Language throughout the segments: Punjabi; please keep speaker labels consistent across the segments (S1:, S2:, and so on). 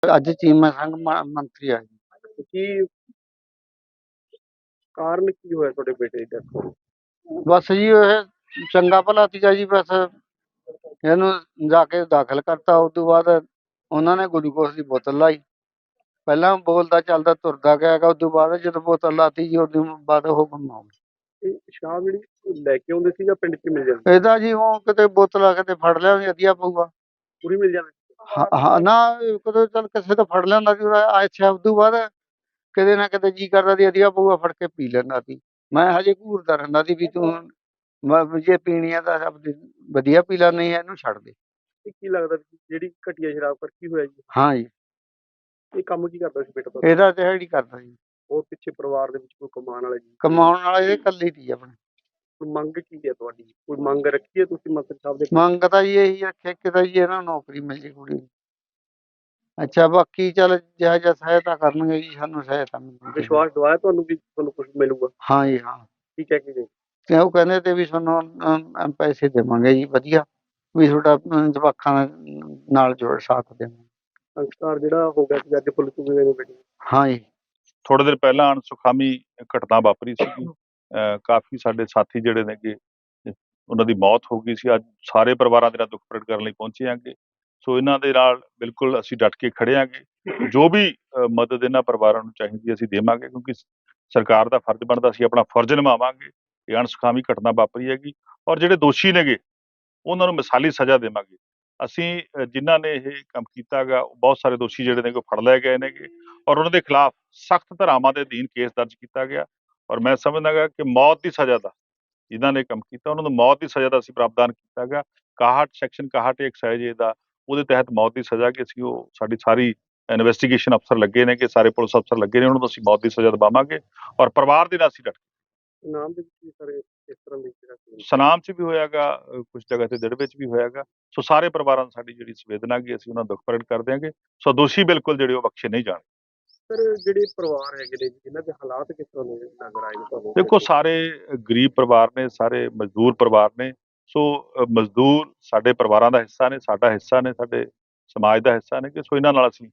S1: ਅੱਜ ਚੀਮਾ ਸੰਘ ਮੰਤਰੀ ਆ ਜੀ।
S2: ਕੀ ਕਾਰਨ ਕੀ ਹੋਇਆ ਤੁਹਾਡੇ ਬੇਟੇ ਦੀ ਡੈਥ ਹੋਣ ਦਾ?
S1: ਬਸ ਜੀ ਇਹ ਚੰਗਾ ਭਲਾ ਸੀਗਾ ਜੀ, ਬਸ ਇਹਨੂੰ ਜਾ ਕੇ ਦਾਖਲ ਕਰਤਾ। ਉਸ ਤੋਂ ਬਾਅਦ ਉਹਨਾਂ ਨੇ ਗਲੂਕੋਸ ਦੀ ਬੋਤਲ ਲਾਈ। ਪਹਿਲਾਂ ਬੋਲਦਾ ਚੱਲਦਾ ਤੁਰਦਾ ਗਿਆ ਗਾ, ਉਸ ਤੋਂ ਬਾਅਦ ਜਦੋਂ ਬੋਤਲ ਲਾਤੀ ਜੀ ਉਦੋਂ ਬਾਅਦ ਉਹ ਗੁੰਮ ਹੋ ਗਿਆ।
S2: ਇਹ ਸ਼ਰਾਬ ਜਿਹੜੀ ਲੈ ਕੇ ਆਉਂਦੇ ਸੀ ਜਾਂ ਪਿੰਡ 'ਚ ਮਿਲ ਜਾਂਦੀ?
S1: ਇਹਦਾ ਜੀ ਉਹ ਕਿਤੇ ਬੋਤਲ ਕਿਤੇ ਫੜ ਲਿਆ ਵਧੀਆ ਪਊਗਾ।
S2: ਪੂਰੀ ਮਿਲ ਜਾਂਦੀ?
S1: ਹਾਂ ਨਾ, ਕਦੇ ਚੱਲ ਕਿਸੇ ਤੋਂ ਫੜ ਲਿਆਂਦਾ ਸੀ ਅੱਛਾ। ਉਸ ਤੋਂ ਬਾਅਦ ਕਿਤੇ ਨਾ ਕਿਤੇ ਜੀ ਕਰਦਾ ਸੀ ਵਧੀਆ ਪਊਗਾ, ਫੜ ਕੇ ਪੀ ਲੈਂਦਾ ਸੀ। ਮੈਂ ਹਜੇ ਘੂਰਦਾ ਰਹਿੰਦਾ ਸੀ ਵੀ ਤੂੰ ਜੇ ਪੀਣੀ ਆ ਤਾਂ ਵਧੀਆ ਪੀ ਲੈ, ਨਹੀਂ ਇਹਨੂੰ ਛੱਡ ਦੇ।
S2: ਇਹ ਕੀ ਲੱਗਦਾ ਸੀ ਜਿਹੜੀ ਘਟੀਆ ਸ਼ਰਾਬ ਕਰ ਕੀ ਹੋਇਆ ਜੀ?
S1: ਹਾਂ ਜੀ,
S2: ਇਹ ਕੰਮ ਕੀ ਕਰਦਾ ਸੀ ਬੇਟਾ ਤੁਹਾਡਾ?
S1: ਇਹਦਾ ਦਿਹਾੜੀ ਕਰਦਾ ਜੀ।
S2: ਹੋਰ ਪਿੱਛੇ ਪਰਿਵਾਰ ਦੇ ਵਿੱਚ ਕੋਈ ਕਮਾਉਣ ਵਾਲਾ ਜੀ?
S1: ਕਮਾਉਣ ਵਾਲਾ ਇਹ ਇਕੱਲੀ ਸੀ ਆਪਣੇ।
S2: ਕੋਈ ਮੰਗ ਕੀ ਹੈ ਤੁਹਾਡੀ? ਕੋਈ ਮੰਗ ਰੱਖੀ ਹੈ ਤੁਸੀਂ ਮੰਤਰੀ ਸਾਹਿਬ ਦੇ?
S1: ਮੰਗ ਤਾਂ ਜੀ ਇਹੀ ਰੱਖਿਆ ਕਿ ਤਾਂ ਜੀ ਇਹਨਾਂ ਨੂੰ ਨੌਕਰੀ ਮਿਲ ਜੇ ਕੁੜੀ ਨੂੰ। ਅੱਛਾ, ਬਾਕੀ ਚੱਲ ਜਿਹੋ ਜਿਹਾ ਸਹਾਇਤਾ ਕਰਨਗੇ ਜੀ ਸਾਨੂੰ ਸਹਾਇਤਾ ਮਿਲੂਗੀ।
S2: ਵਿਸ਼ਵਾਸ ਦਵਾਇਆ ਤੁਹਾਨੂੰ ਵੀ ਤੁਹਾਨੂੰ ਕੁਝ ਮਿਲੂਗਾ?
S1: ਹਾਂ ਜੀ ਹਾਂ।
S2: ਕੀ ਕਹਿ ਕੇ ਗਏ?
S1: ਤੇ ਉਹ ਕਹਿੰਦੇ ਤੇ ਵੀ ਤੁਹਾਨੂੰ ਪੈਸੇ ਦੇਵਾਂਗੇ ਜੀ ਵਧੀਆ, ਵੀ ਤੁਹਾਡਾ ਜਵਾਕਾਂ ਨਾਲ ਜੋੜ ਸਾਥ ਦੇਵਾਂਗੇ।
S2: ਸੰਸਕਾਰ ਜਿਹੜਾ ਹੋ ਗਿਆ ਸੀ ਅੱਜ ਪੁਲਿਸ ਨੂੰ ਦੇ ਬੇਟੇ?
S1: ਹਾਂ ਜੀ।
S3: ਥੋੜੇ ਦਿਨ ਪਹਿਲਾਂ ਅਣਸੁਖਾਵੀ ਘਟਨਾ ਵਾਪਰੀ ਸੀਗੀ। ਕਾਫੀ ਸਾਡੇ ਸਾਥੀ ਜਿਹੜੇ ਨੇਗੇ ਉਹਨਾਂ ਦੀ ਮੌਤ ਹੋ ਗਈ ਸੀ। ਅੱਜ ਸਾਰੇ ਪਰਿਵਾਰਾਂ ਦੇ ਨਾਲ ਦੁੱਖ ਪ੍ਰਗਟ ਕਰਨ ਲਈ ਪਹੁੰਚੇ ਆਂਗੇ। ਸੋ ਇਹਨਾਂ ਦੇ ਨਾਲ ਬਿਲਕੁਲ ਅਸੀਂ ਡਟ ਕੇ ਖੜੇ ਆਂਗੇ। ਜੋ ਵੀ ਮਦਦ ਇਹਨਾਂ ਪਰਿਵਾਰਾਂ ਨੂੰ ਚਾਹੀਦੀ ਅਸੀਂ ਦੇਵਾਂਗੇ, ਕਿਉਂਕਿ ਸਰਕਾਰ ਦਾ ਫਰਜ਼ ਬਣਦਾ, ਅਸੀਂ ਆਪਣਾ ਫਰਜ਼ ਨਿਭਾਵਾਂਗੇ। ਇਹ ਅਣਸੁਖਾਵੀ ਘਟਨਾ ਵਾਪਰੀ ਹੈਗੀ ਔਰ ਜਿਹੜੇ ਦੋਸ਼ੀ ਨੇਗੇ ਉਹਨਾਂ ਨੂੰ ਮਿਸਾਲੀ ਸਜ਼ਾ ਦੇਵਾਂਗੇ। ਅਸੀਂ ਜਿਨ੍ਹਾਂ ਨੇ ਇਹ ਕੰਮ ਕੀਤਾ ਗਾ, ਬਹੁਤ ਸਾਰੇ ਦੋਸ਼ੀ ਜਿਹੜੇ ਨੇ ਫੜ ਲਏ ਗਏ ਨੇਗੇ ਔਰ ਉਹਨਾਂ ਦੇ ਖਿਲਾਫ ਸਖਤ ਧਾਰਾਵਾਂ ਦੇ ਅਧੀਨ ਕੇਸ ਦਰਜ ਕੀਤਾ ਗਿਆ। ਔਰ ਮੈਂ ਸਮਝਦਾ ਗਾ ਕਿ ਮੌਤ ਦੀ ਸਜ਼ਾ ਦਾ ਜਿਨ੍ਹਾਂ ਨੇ ਕੰਮ ਕੀਤਾ ਉਹਨਾਂ ਨੂੰ ਮੌਤ ਦੀ ਸਜ਼ਾ ਦਾ ਅਸੀਂ ਪ੍ਰਾਵਧਾਨ ਕੀਤਾ ਗਿਆ। 61 ਸੈਕਸ਼ਨ 61 ਐਕਸਾਈਜ਼ ਦਾ ਉਹਦੇ ਤਹਿਤ ਮੌਤ ਦੀ ਸਜ਼ਾ ਕਿ ਅਸੀਂ ਉਹ ਸਾਡੀ ਸਾਰੀ ਇਨਵੈਸਟੀਗੇਸ਼ਨ ਅਫਸਰ ਲੱਗੇ ਨੇ, ਕਿ ਸਾਰੇ ਪੁਲਿਸ ਅਫਸਰ ਲੱਗੇ ਨੇ, ਉਹਨਾਂ ਨੂੰ ਅਸੀਂ ਮੌਤ ਦੀ ਸਜ਼ਾ ਦਿਵਾਵਾਂਗੇ ਔਰ ਪਰਿਵਾਰ ਦੇ ਨਾਲ ਅਸੀਂ ਡਟ।
S2: ਨਾਮ ਦੇ ਵਿੱਚ ਸਾਰੇ ਇਸ ਤਰ੍ਹਾਂ ਦੇ ਜਿਹੜਾ
S3: ਸਨਾਮ 'ਚ ਵੀ ਹੋਇਆਗਾ, ਕੁਝ ਜਗ੍ਹਾ ਤੇ ਦਿੜ ਵਿੱਚ ਵੀ ਹੋਇਆਗਾ। ਸੋ ਸਾਰੇ ਪਰਿਵਾਰਾਂ ਨੂੰ ਸਾਡੀ ਜਿਹੜੀ ਸੰਵੇਦਨਾ ਗੀ ਅਸੀਂ ਉਹਨਾਂ ਦਾ ਦੁੱਖ ਪ੍ਰਗਟ ਕਰ ਦਿਆਂਗੇ। ਸੋ ਦੋਸ਼ੀ ਬਿਲਕੁਲ ਜਿਹੜੇ ਉਹ ਬਖਸ਼ੇ ਨਹੀਂ ਜਾਣ।
S2: ਸਰ ਜਿਹੜੇ ਪਰਿਵਾਰ ਹੈਗੇ ਨੇ ਜਿਨ੍ਹਾਂ ਦੇ ਹਾਲਾਤ ਕਿਸ ਤਰ੍ਹਾਂ ਦੇ ਨਜ਼ਰ ਆਏ ਨੇ ਤੁਹਾਨੂੰ?
S3: ਦੇਖੋ ਸਾਰੇ ਗਰੀਬ ਪਰਿਵਾਰ ਨੇ, ਸਾਰੇ ਮਜ਼ਦੂਰ ਪਰਿਵਾਰ ਨੇ। ਸੋ ਮਜ਼ਦੂਰ ਸਾਡੇ ਪਰਿਵਾਰਾਂ ਦਾ ਹਿੱਸਾ ਨੇ, ਸਾਡਾ ਹਿੱਸਾ ਨੇ, ਸਾਡੇ ਸਮਾਜ ਦਾ ਹਿੱਸਾ ਨੇ, ਕਿ ਸੋ ਇਹਨਾਂ ਨਾਲ ਅਸੀਂ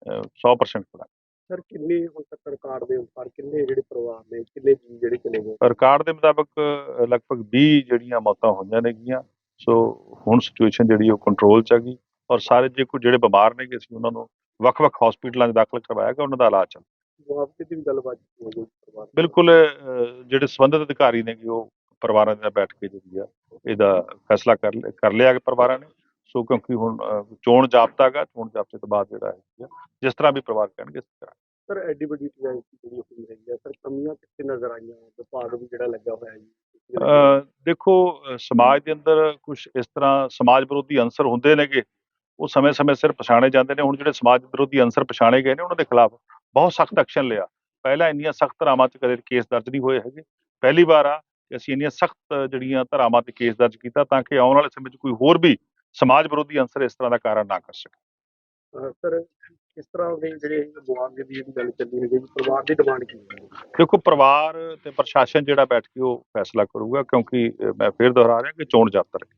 S3: 100% ਖੜਾ।
S2: ਸਰ ਕਿੰਨੇ ਹੁਣ ਤੱਕ ਰਿਕਾਰਡ ਦੇ ਅਨੁਸਾਰ ਕਿੰਨੇ ਜਿਹੜੇ ਪਰਿਵਾਰ ਨੇ, ਕਿੰਨੇ ਜੀ ਜਿਹੜੇ ਚਲੇ ਗਏ?
S3: ਰਿਕਾਰਡ ਦੇ ਮੁਤਾਬਕ ਲਗਭਗ 20 ਜਿਹੜੀਆਂ ਮੌਤਾਂ ਹੋਈਆਂ ਨੇਗੀਆਂ। ਸੋ ਹੁਣ ਸਿਚੁਏਸ਼ਨ ਜਿਹੜੀ ਉਹ ਕੰਟਰੋਲ 'ਚ ਹੈਗੀ ਔਰ ਸਾਰੇ ਜੇ ਕੋਈ ਜਿਹੜੇ ਬਿਮਾਰ ਨੇਗੇ ਅਸੀਂ ਉਹਨਾਂ ਨੂੰ ਵੱਖ-ਵੱਖ ਹਸਪੀਟਲਾਂ 'ਚ ਦਾਖਲ ਕਰਵਾਇਆ ਗਿਆ, ਉਹਨਾਂ ਦਾ ਇਲਾਜ ਚੱਲ।
S2: ਮੁਆਵਜ਼ੇ ਦੀ ਵੀ ਗੱਲਬਾਤ ਹੋ ਗਈ ਪਰਿਵਾਰ?
S3: ਬਿਲਕੁਲ ਜਿਹੜੇ ਸੰਬੰਧਿਤ ਅਧਿਕਾਰੀ ਨੇਗੇ ਉਹ ਪਰਿਵਾਰਾਂ ਦੇ ਨਾਲ ਬੈਠ ਕੇ ਜਿਹੜੀ ਆ ਇਹਦਾ ਫੈਸਲਾ ਕਰ ਲਿਆ ਕਿ ਪਰਿਵਾਰਾਂ ਨੇ। ਸੋ ਕਿਉਂਕਿ ਹੁਣ ਚੋਣ ਜਾਬਤਾ ਗਾ, ਚੋਣ ਜਾਬਤੇ ਤੋਂ ਬਾਅਦ ਜਿਹੜਾ ਹੈ ਜਿਸ ਤਰ੍ਹਾਂ ਵੀ ਪਰਿਵਾਰ ਕਹਿਣਗੇ ਇਸ ਤਰ੍ਹਾਂ।
S2: ਸਰ ਐਡੀ ਵੱਡੀ ਟ੍ਰੈਜਡੀ ਜਿਹੜੀ ਹੋਈ ਹੈਗੀ ਆ, ਸਰ ਕਮੀਆਂ ਕਿੱਥੇ ਨਜ਼ਰ ਆਈਆਂ? ਵਿਭਾਗ ਵੀ ਜਿਹੜਾ ਲੱਗਾ ਹੋਇਆ ਜੀ।
S3: ਦੇਖੋ ਸਮਾਜ ਦੇ ਅੰਦਰ ਕੁਝ ਇਸ ਤਰ੍ਹਾਂ ਸਮਾਜ ਵਿਰੋਧੀ ਅੰਸਰ ਹੁੰਦੇ ਨੇਗੇ, ਉਹ ਸਮੇਂ-ਸਮੇਂ ਸਿਰ ਪਛਾਣੇ ਜਾਂਦੇ ਨੇ। ਹੁਣ ਜਿਹੜੇ ਸਮਾਜ ਵਿਰੋਧੀ ਅੰਸਰ ਪਛਾਣੇ ਗਏ ਨੇ ਉਹਨਾਂ ਦੇ ਖਿਲਾਫ ਬਹੁਤ ਸਖਤ ਐਕਸ਼ਨ ਲਿਆ। ਪਹਿਲਾਂ ਇੰਨੀਆਂ ਸਖਤ ਧਾਰਾਵਾਂ 'ਚ ਕਦੇ ਕੇਸ ਦਰਜ ਨਹੀਂ ਹੋਏ ਹੈਗੇ। ਪਹਿਲੀ ਵਾਰ ਆ ਕਿ ਅਸੀਂ ਇੰਨੀਆਂ ਸਖਤ ਜਿਹੜੀਆਂ ਧਾਰਾਵਾਂ 'ਤੇ ਕੇਸ ਦਰਜ ਕੀਤਾ ਤਾਂ ਕਿ ਆਉਣ ਵਾਲੇ ਸਮੇਂ 'ਚ ਕੋਈ ਹੋਰ ਵੀ ਸਮਾਜ ਵਿਰੋਧੀ ਅੰਸਰ ਇਸ ਤਰ੍ਹਾਂ ਦਾ ਕਾਰਨ ਨਾ ਕਰ ਸਕੇ।
S2: ਸਰ ਕਿਸ ਤਰ੍ਹਾਂ ਦੇ ਜਿਹੜੇ ਮੁਆਵਜ਼ੇ ਦੀ ਜਿਹੜੀ ਗੱਲ ਚੱਲੀ ਹੈਗੀ, ਪਰਿਵਾਰ ਦੀ ਡਿਮਾਂਡ ਕੀ ਹੈ?
S3: ਦੇਖੋ ਪਰਿਵਾਰ ਤੇ ਪ੍ਰਸ਼ਾਸਨ ਜਿਹੜਾ ਬੈਠ ਕੇ ਉਹ ਫੈਸਲਾ ਕਰੂਗਾ, ਕਿਉਂਕਿ ਮੈਂ ਫਿਰ ਦੁਹਰਾ ਰਿਹਾ ਕਿ ਚੋਣ ਜਾਬਤਾ